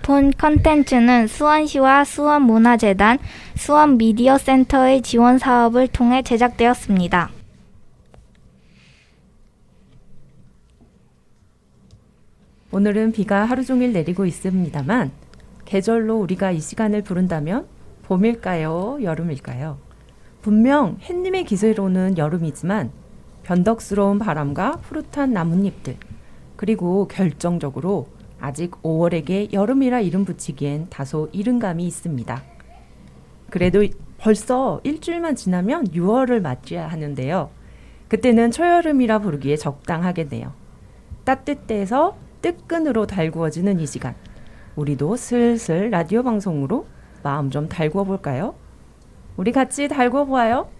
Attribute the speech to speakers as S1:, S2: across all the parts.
S1: 본 컨텐츠는 수원시와 수원문화재단, 수원미디어센터의 지원 사업을 통해 제작되었습니다.
S2: 오늘은 비가 하루 종일 내리고 있습니다만 계절로 우리가 이 시간을 부른다면 봄일까요? 여름일까요? 분명 햇님의 기세로는 여름이지만 변덕스러운 바람과 푸릇한 나뭇잎들 그리고 결정적으로 아직 5월에게 여름이라 이름 붙이기엔 다소 이른 감이 있습니다. 그래도 벌써 일주일만 지나면 6월을 맞이해야 하는데요. 그때는 초여름이라 부르기에 적당하겠네요. 따뜻해서 뜨끈으로 달구어지는 이 시간, 우리도 슬슬 라디오 방송으로 마음 좀 달구어 볼까요? 우리 같이 달구어 보아요.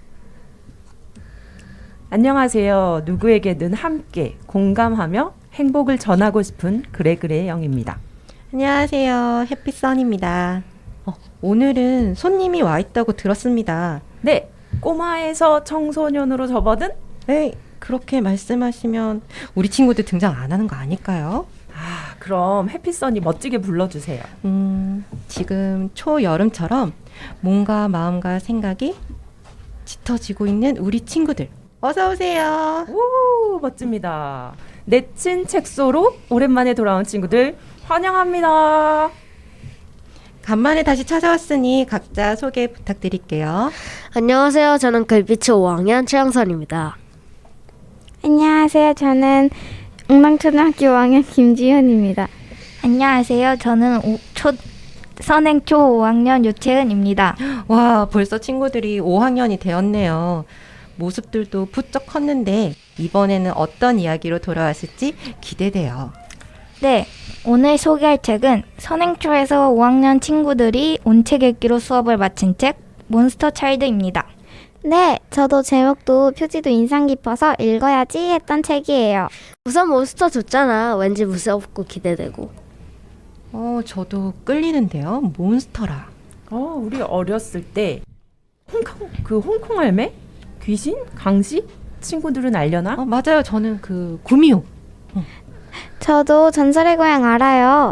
S2: 안녕하세요. 누구에게든 함께 공감하며 행복을 전하고 싶은 그래그래 영입니다.
S3: 안녕하세요. 해피선입니다. 오늘은 손님이 와 있다고 들었습니다.
S2: 네, 꼬마에서 청소년으로 접어든?
S3: 네, 그렇게 말씀하시면 우리 친구들 등장 안 하는 거 아닐까요?
S2: 아, 그럼 해피선이 멋지게 불러주세요.
S3: 지금 초여름처럼 몸과 마음과 생각이 짙어지고 있는 우리 친구들 어서 오세요.
S2: 오, 멋집니다. 내친 책소로 오랜만에 돌아온 친구들 환영합니다.
S3: 간만에 다시 찾아왔으니 각자 소개 부탁드릴게요.
S4: 안녕하세요. 저는 글빛의 5학년 최영선입니다.
S1: 안녕하세요. 저는 웅랑초등학교 5학년 김지현입니다. 안녕하세요. 저는 선행초 5학년 유채은입니다.
S3: 와, 벌써 친구들이 5학년이 되었네요. 모습들도 부쩍 컸는데 이번에는 어떤 이야기로 돌아왔을지 기대돼요.
S1: 네, 오늘 소개할 책은 선행초에서 5학년 친구들이 온책 읽기로 수업을 마친 책 몬스터 차일드입니다.
S5: 네, 저도 제목도 표지도 인상 깊어서 읽어야지 했던 책이에요.
S4: 우선 몬스터 좋잖아. 왠지 무섭고 기대되고.
S3: 저도 끌리는데요. 몬스터라.
S2: 우리 어렸을 때 홍콩 할매? 귀신? 강시? 친구들은 알려나?
S3: 맞아요. 저는 그 구미호.
S5: 저도 전설의 고향 알아요.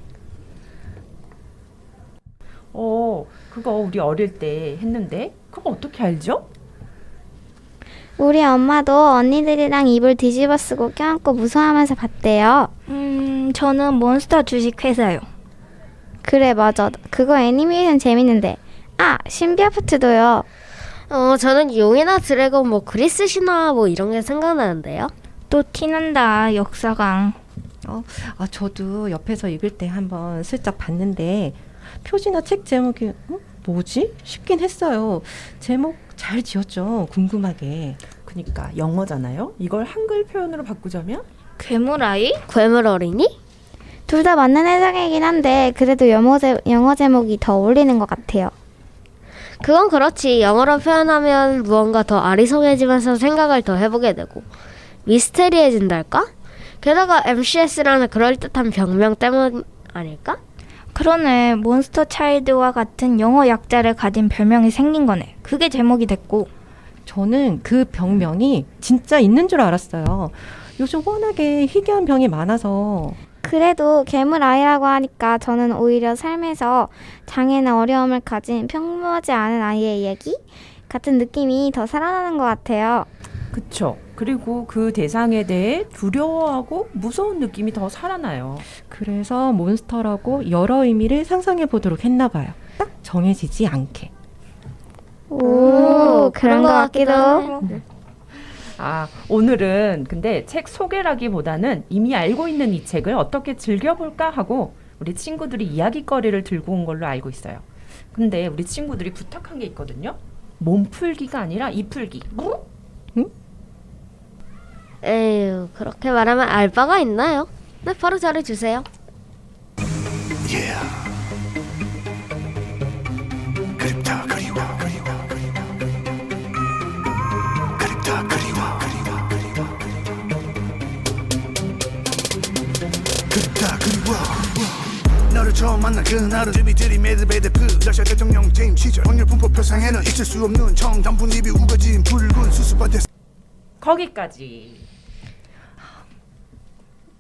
S2: 그거 우리 어릴 때 했는데 그거 어떻게 알죠?
S5: 우리 엄마도 언니들이랑 이불 뒤집어 쓰고 껴안고 무서워하면서 봤대요.
S1: 저는 몬스터 주식회사요.
S5: 그래, 맞아. 그거 애니메이션 재밌는데. 아, 신비 아파트도요.
S4: 저는 용이나 드래곤, 그리스 신화 이런 게 생각나는데요.
S1: 또 티난다, 역사강.
S3: 저도 옆에서 읽을 때 한번 슬쩍 봤는데 표지나 책 제목이 뭐지? 싶긴 했어요. 제목 잘 지었죠? 궁금하게.
S2: 그니까 영어잖아요. 이걸 한글 표현으로 바꾸자면?
S1: 괴물아이?
S4: 괴물 어린이?
S5: 둘 다 맞는 해석이긴 한데 그래도 영어 제목이 더 어울리는 것 같아요.
S4: 그건 그렇지. 영어로 표현하면 무언가 더 아리송해지면서 생각을 더 해보게 되고 미스테리해진달까? 게다가 MCS라는 그럴듯한 병명 때문 아닐까?
S1: 그러네. 몬스터 차일드와 같은 영어 약자를 가진 별명이 생긴 거네. 그게 제목이 됐고.
S3: 저는 그 병명이 진짜 있는 줄 알았어요. 요즘 워낙에 희귀한 병이 많아서.
S5: 그래도 괴물 아이라고 하니까 저는 오히려 삶에서 장애나 어려움을 가진 평범하지 않은 아이의 얘기 같은 느낌이 더 살아나는 것 같아요.
S2: 그쵸. 그리고 그 대상에 대해 두려워하고 무서운 느낌이 더 살아나요.
S3: 그래서 몬스터라고 여러 의미를 상상해 보도록 했나 봐요. 딱 정해지지 않게.
S5: 오, 그런 것 같기도.
S2: 오늘은 근데 책 소개라기보다는 이미 알고 있는 이 책을 어떻게 즐겨볼까 하고 우리 친구들이 이야기거리를 들고 온 걸로 알고 있어요. 근데 우리 친구들이 부탁한 게 있거든요. 몸풀기가 아니라 이풀기.
S4: 에휴, 그렇게 말하면 알 바가 있나요? 네, 바로 잘해주세요.
S6: 그립다 그리워 그립다 그리워 그립다 그리워 너를 처음 만난 그날은 준비들이 매드베드프 러시아 대통령 재임 시절 확률 분포 표상에는 있을 수 없는 청담분입이 우거진 붉은 수수밭에
S2: 거기까지.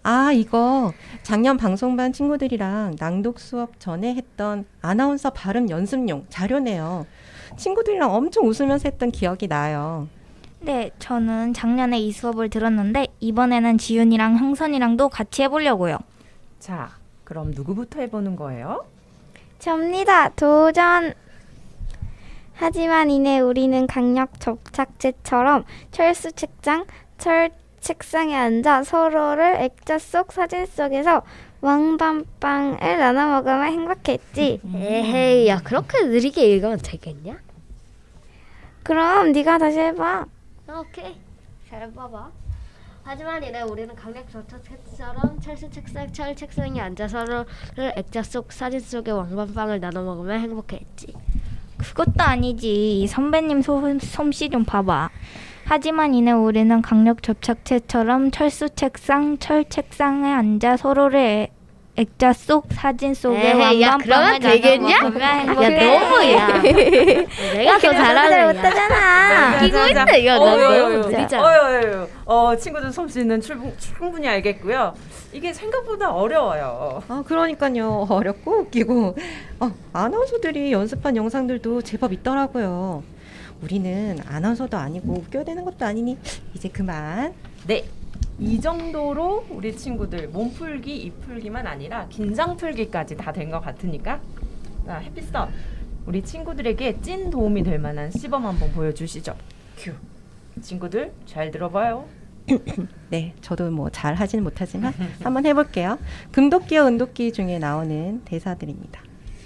S3: 아, 이거 작년 방송반 친구들이랑 낭독 수업 전에 했던 아나운서 발음 연습용 자료네요. 친구들이랑 엄청 웃으면서 했던 기억이 나요.
S1: 네, 저는 작년에 이 수업을 들었는데 이번에는 지윤이랑 형선이랑도 같이 해보려고요.
S2: 자, 그럼 누구부터 해보는 거예요?
S5: 접니다. 도전. 하지만 이내 우리는 강력 접착제처럼 철수 책장, 철 책상에 앉아 서로를 액자 속 사진 속에서 왕밤빵을 나눠 먹으며 행복했지.
S4: 에헤이, 야 그렇게 느리게 읽으면 되겠냐?
S5: 그럼 네가 다시 해봐.
S4: 오케이, 잘해봐봐. 하지만 이래 우리는 강력 저처럼 철수 책상, 철 책상에 앉아 서로를 액자 속 사진 속의 왕밤빵을 나눠 먹으며 행복했지.
S1: 그것도 아니지. 이 선배님 솜씨 좀 봐봐. 하지만 이내 우리는 강력 접착제처럼 철수 책상, 철 책상에 앉아 서로를 액자 속 사진 속에
S4: 에헤이, 야
S1: 왕밤빵을
S4: 그러면 되겠냐?
S1: 나눠 먹으며
S4: 야
S1: 행복해.
S4: 너무야. 내가 더 잘하는
S5: 못하잖아.
S4: 웃기고 있네. 이거 너무 느리잖아.
S2: 친구들 솜씨는 충분히 알겠고요. 이게 생각보다 어려워요.
S3: 아, 그러니까요. 어렵고 웃기고. 아나운서들이 연습한 영상들도 제법 있더라고요. 우리는 아나운서도 아니고 웃겨야 되는 것도 아니니 이제 그만.
S2: 네, 이 정도로 우리 친구들 몸풀기, 입풀기만 아니라 긴장풀기까지 다 된 것 같으니까 자, 햇빛선 우리 친구들에게 찐 도움이 될 만한 시범 한번 보여주시죠. 큐. 친구들 잘 들어봐요.
S3: 네, 저도 뭐 잘 하지는 못하지만 한번 해볼게요. 금도끼와 은도끼 중에 나오는 대사들입니다.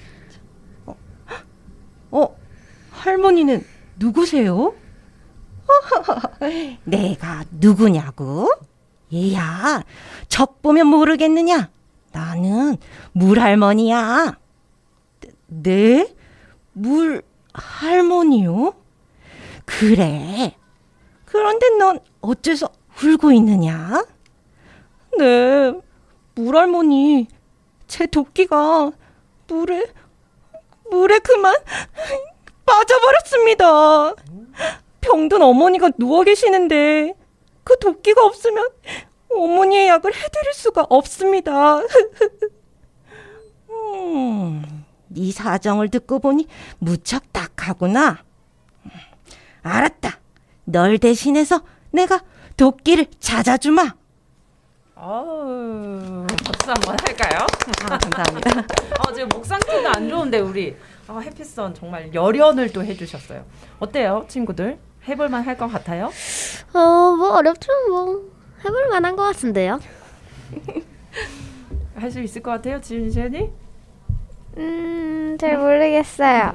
S3: 할머니는 누구세요? 내가 누구냐고? 얘야, 적 보면 모르겠느냐? 나는 물할머니야. 네? 물할머니요? 그래. 그런데 넌 어째서 울고 있느냐? 네, 물할머니, 제 도끼가 물에 그만 빠져버렸습니다. 병든 어머니가 누워 계시는데 그 도끼가 없으면 어머니의 약을 해드릴 수가 없습니다. 네 사정을 듣고 보니 무척 딱하구나. 알았다. 널 대신해서 내가 도끼를 찾아주마.
S2: 박수 한번 할까요?
S3: 감사합니다.
S2: 지금 목 상태가 안 좋은데 우리 햇빛선 정말 열연을 또 해주셨어요. 어때요, 친구들? 해볼만 할 것 같아요?
S4: 뭐 어렵지만 뭐 해볼 만한 것 같은데요.
S2: 할 수 있을 것 같아요, 지은이?
S5: 잘 모르겠어요.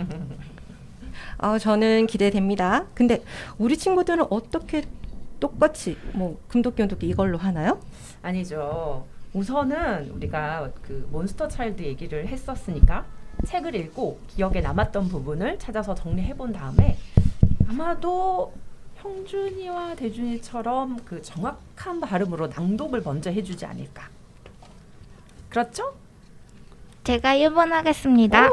S3: 저는 기대됩니다. 근데 우리 친구들은 어떻게 똑같이 뭐 금도끼 은도끼 이걸로 하나요?
S2: 아니죠. 우선은 우리가 그 몬스터 차일드 얘기를 했었으니까 책을 읽고 기억에 남았던 부분을 찾아서 정리해 본 다음에 아마도 형준이와 대준이처럼 그 정확한 발음으로 낭독을 먼저 해주지 않을까. 그렇죠?
S1: 제가 1번 하겠습니다.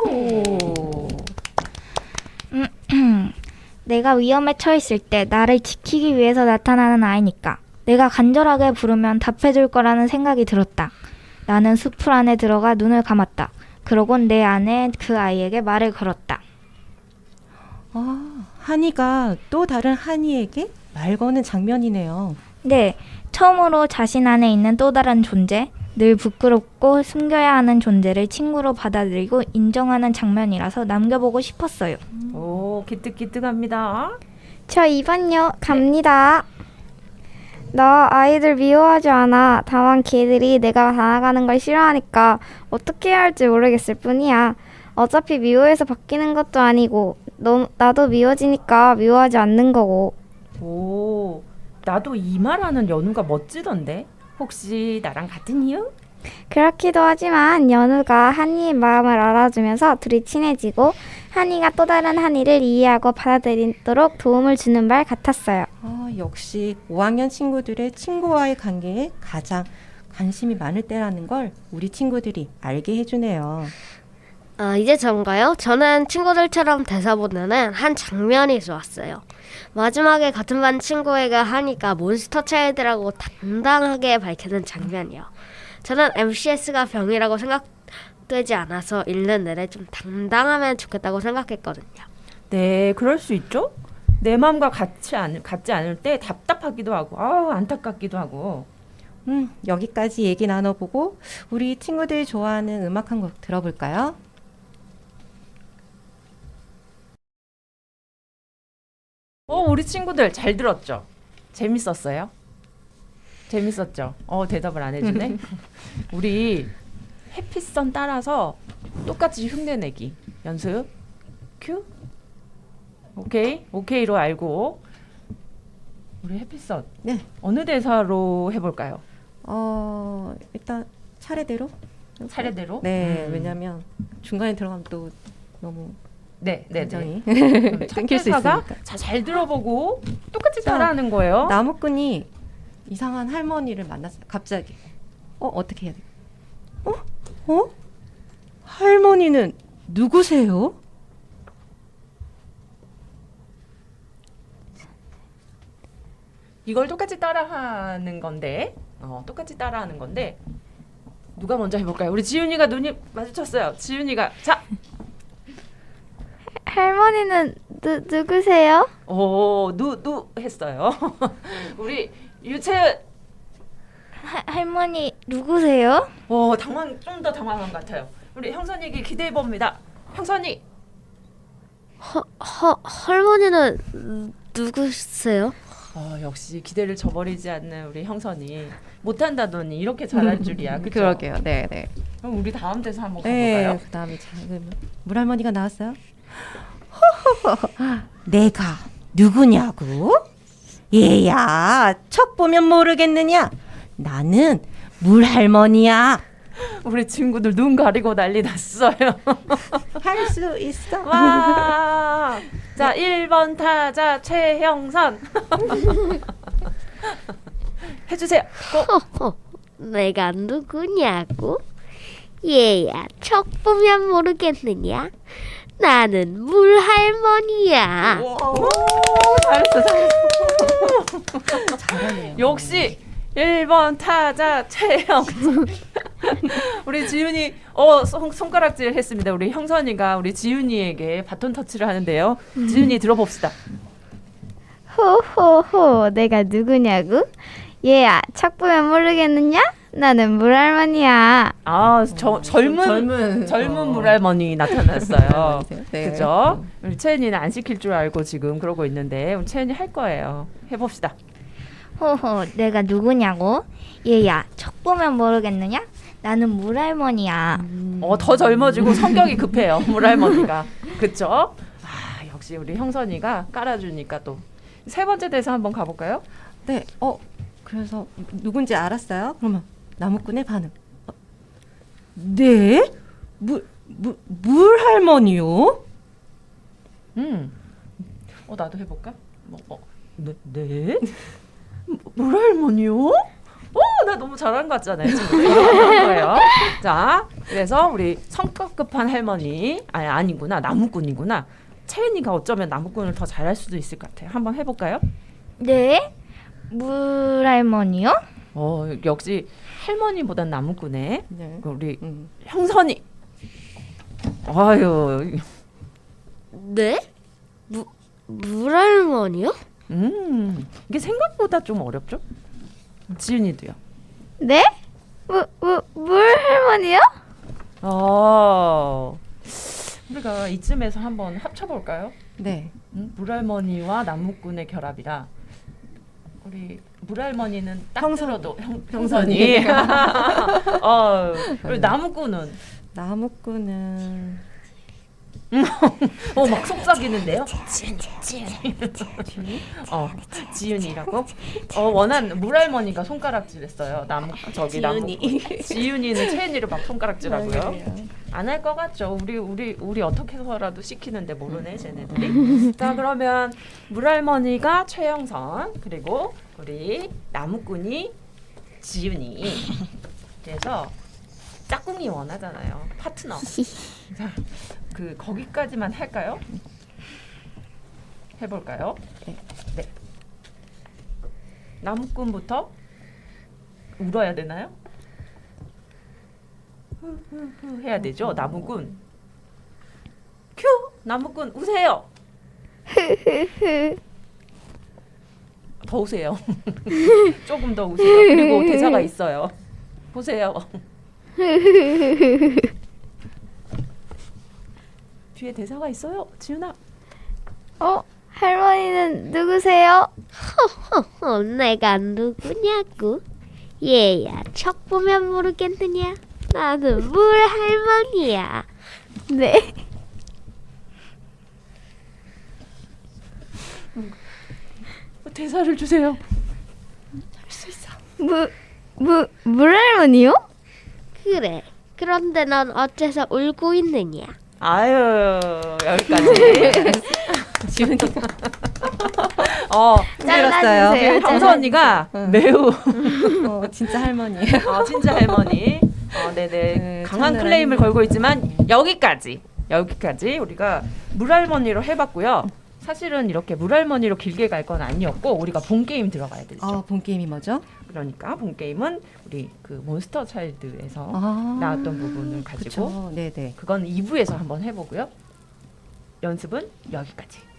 S1: 내가 위험에 처했을 때 나를 지키기 위해서 나타나는 아이니까 내가 간절하게 부르면 답해줄 거라는 생각이 들었다. 나는 숲풀 안에 들어가 눈을 감았다. 그러곤 내 안에 그 아이에게 말을 걸었다.
S3: 한이가 또 다른 한이에게 말 거는 장면이네요.
S1: 네, 처음으로 자신 안에 있는 또 다른 존재, 늘 부끄럽고 숨겨야 하는 존재를 친구로 받아들이고 인정하는 장면이라서 남겨보고 싶었어요.
S2: 오, 기특기특합니다.
S5: 저 2번요. 갑니다. 나 아이들 미워하지 않아. 다만 걔들이 내가 나아가는 걸 싫어하니까 어떻게 해야 할지 모르겠을 뿐이야. 어차피 미워해서 바뀌는 것도 아니고 나도 미워지니까 미워하지 않는 거고.
S2: 오, 나도 이 말하는 연우가 멋지던데? 혹시 나랑 같은 이유?
S5: 그렇기도 하지만 연우가 한이의 마음을 알아주면서 둘이 친해지고 한이가 또 다른 한이를 이해하고 받아들이도록 도움을 주는 말 같았어요.
S3: 역시 5학년 친구들의 친구와의 관계에 가장 관심이 많을 때라는 걸 우리 친구들이 알게 해주네요.
S4: 이제 전가요? 저는 친구들처럼 대사 보내는 한 장면이 좋았어요. 마지막에 같은 반 친구에게 하니까 몬스터 차일드라고 당당하게 밝히는 장면이요. 저는 MCS가 병이라고 생각되지 않아서 읽는 내내 좀 당당하면 좋겠다고 생각했거든요.
S2: 네, 그럴 수 있죠. 내 마음과 같지 않을 때 답답하기도 하고 안타깝기도 하고.
S3: 여기까지 얘기 나눠보고 우리 친구들이 좋아하는 음악 한 곡 들어볼까요?
S2: 우리 친구들 잘 들었죠? 재밌었어요? 재밌었죠? 대답을 안 해주네. 우리 해피선 따라서 똑같이 흉내내기 연습. 큐. 오케이로 알고. 우리 해피선.
S3: 네.
S2: 어느 대사로 해볼까요?
S3: 일단 차례대로.
S2: 차례대로.
S3: 네, 왜냐면 중간에 들어가면 또 너무
S2: 네.
S3: 굉장히
S2: 그럼 첫
S3: 끊길 수
S2: 대사가
S3: 있으니까.
S2: 잘 들어보고 똑같이
S3: 자,
S2: 따라하는 거예요.
S3: 나무꾼이 이상한 할머니를 만났어요. 갑자기. 어떻게 해야 돼? 할머니는 누구세요?
S2: 이걸 똑같이 따라하는 건데, 누가 먼저 해볼까요? 우리 지윤이가 눈이 마주쳤어요. 지윤이가 자,
S5: 할머니는 누구세요?
S2: 누 했어요. 우리 유채은,
S1: 할머니 누구세요?
S2: 좀 더 당황한 것 같아요. 우리 형선이에게 기대해 봅니다. 형선이,
S4: 할머니는 누구세요?
S2: 역시 기대를 저버리지 않는 우리 형선이 못한다더니 이렇게 잘할 줄이야. 그쵸?
S3: 그러게요. 네.
S2: 그럼 우리 다음 대사 한번
S3: 네,
S2: 가볼까요?
S3: 그다음에 작은 물할머니가 나왔어요. 내가 누구냐고? 얘야, 척 보면 모르겠느냐? 나는 물할머니야.
S2: 우리 친구들 눈 가리고 난리 났어요.
S3: 할 수 있어.
S2: 와. 자, 1번 타자 최형선. 해주세요.
S4: 내가 누구냐고? 얘야, 척 보면 모르겠느냐? 나는 물할머니야.
S2: 잘했어. 역시 1번 타자 최형선. 우리 지윤이 손가락질 했습니다. 우리 형선이가 우리 지윤이에게 바톤 터치를 하는데요. 지윤이 들어봅시다.
S5: 호호호, 내가 누구냐고? 얘야, 척 보면 모르겠느냐? 나는 물할머니야.
S2: 젊은 물할머니 나타났어요.
S3: 네.
S2: 그죠? 우리 채은이는 안 시킬 줄 알고 지금 그러고 있는데 우리 채은이 할 거예요. 해봅시다.
S1: 호호, 내가 누구냐고? 얘야, 척 보면 모르겠느냐? 나는 물할머니야.
S2: 더 젊어지고 성격이 급해요. 물할머니가. 그쵸? 역시 우리 형선이가 깔아주니까 또. 세 번째 대사 한번 가볼까요?
S3: 네. 그래서 누군지 알았어요? 그러면 나무꾼의 반응. 네? 물할머니요?
S2: 나도 해볼까? 네? 물할머니요? 나 너무 잘한 것 같잖아요. 지금 이렇게 하는 거예요. 자, 그래서 우리 성격 급한 할머니, 아니구나, 나무꾼이구나. 채은이가 어쩌면 나무꾼을 더 잘할 수도 있을 것 같아요. 한번 해볼까요?
S1: 네? 물할머니요?
S2: 역시 할머니보단 나무꾼에
S3: 네.
S2: 우리 형선이. 아유,
S4: 네? 물할머니요?
S2: 이게 생각보다 좀 어렵죠? 지윤이도요.
S5: 네? 물할머니요?
S2: 우리가 이쯤에서 한번 합쳐볼까요?
S3: 네.
S2: 물할머니와 나무꾼의 결합이라 우리 물할머니는 딱 들어도 형선이. 우리 나무꾼은 막 속삭이는데요. 지윤이라고? 원한 물할머니가 손가락질했어요. 지윤이는 채은이를 막 손가락질하고요. 안 할 것 같죠. 우리 어떻게 해서라도 시키는데 모르네 쟤네들이. 자, 그러면 물할머니가 최영선, 그리고 우리 나무꾼이 지윤이. 그래서 짝꿍이 원하잖아요. 파트너. 자, 그 거기까지만 할까요? 해볼까요? 네. 나무꾼부터 울어야 되나요? 후후후 해야 되죠. 나무꾼. 큐! 나무꾼 우세요. 더 우세요. 조금 더 우세요. 그리고 대사가 있어요. 보세요. 뒤에 대사가 있어요. 지훈아.
S5: 할머니는 누구세요?
S4: 내가 누구냐고? 얘야, 척 보면 모르겠느냐? 나는 물 할머니야.
S5: 네.
S2: 대사를 주세요.
S5: 물할머니요?
S4: 그래. 그런데 넌 어째서 울고 있느냐?
S2: 아유, 여기까지.
S3: 지훈이가
S5: 잘라주세요.
S2: 황서 언니가 매우
S3: 진짜 할머니예요.
S2: 진짜 할머니. 네네.
S3: 네,
S2: 강한
S3: 참느라
S2: 클레임을
S3: 힘들어.
S2: 걸고 있지만 여기까지 우리가 물할머니로 해봤고요. 사실은 이렇게 물할머니로 길게 갈 건 아니었고 우리가 본 게임 들어가야 되죠.
S3: 본 게임이 뭐죠?
S2: 그러니까 본 게임은 우리 그 몬스터 차일드에서
S3: 아,
S2: 나왔던 부분을 가지고
S3: 그쵸. 네네.
S2: 그건 2부에서 한번 해보고요. 연습은 여기까지.